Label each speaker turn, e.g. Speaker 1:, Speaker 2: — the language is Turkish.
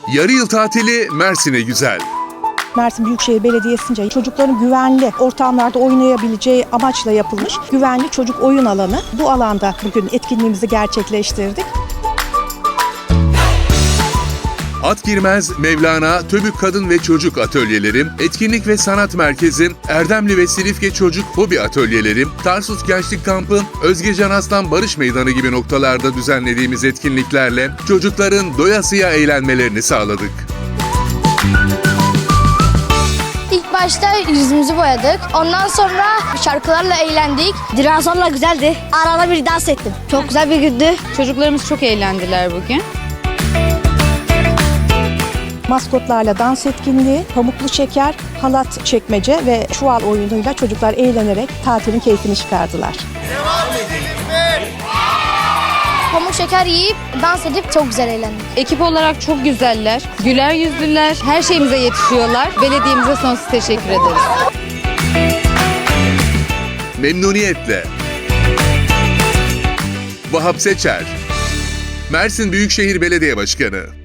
Speaker 1: Yarı yıl tatili Mersin'e güzel.
Speaker 2: Mersin Büyükşehir Belediyesi'nce çocukların güvenli ortamlarda oynayabileceği amaçla yapılmış güvenli çocuk oyun alanı. Bu alanda bugün etkinliğimizi gerçekleştirdik.
Speaker 1: At Girmez, Mevlana, Töbük Kadın ve Çocuk Atölyelerim, Etkinlik ve Sanat Merkezim, Erdemli ve Silifke Çocuk Hobi Atölyelerim, Tarsus Gençlik Kampı, Özgecan Aslan Barış Meydanı gibi noktalarda düzenlediğimiz etkinliklerle çocukların doyasıya eğlenmelerini sağladık.
Speaker 3: İlk başta yüzümüzü boyadık. Ondan sonra şarkılarla eğlendik. Dinozorla güzeldi. Arada bir dans ettim. Çok güzel bir gündü.
Speaker 4: Çocuklarımız çok eğlendiler bugün.
Speaker 2: Maskotlarla dans etkinliği, pamuklu şeker, halat çekmece ve çuval oyunuyla çocuklar eğlenerek tatilin keyfini çıkardılar.
Speaker 3: Pamuk şeker yiyip dans edip çok güzel eğlendik.
Speaker 4: Ekip olarak çok güzeller, güler yüzlüler, her şeyimize yetişiyorlar. Belediyemize sonsuz teşekkür ederiz.
Speaker 1: Memnuniyetle. Vahap Seçer, Mersin Büyükşehir Belediye Başkanı.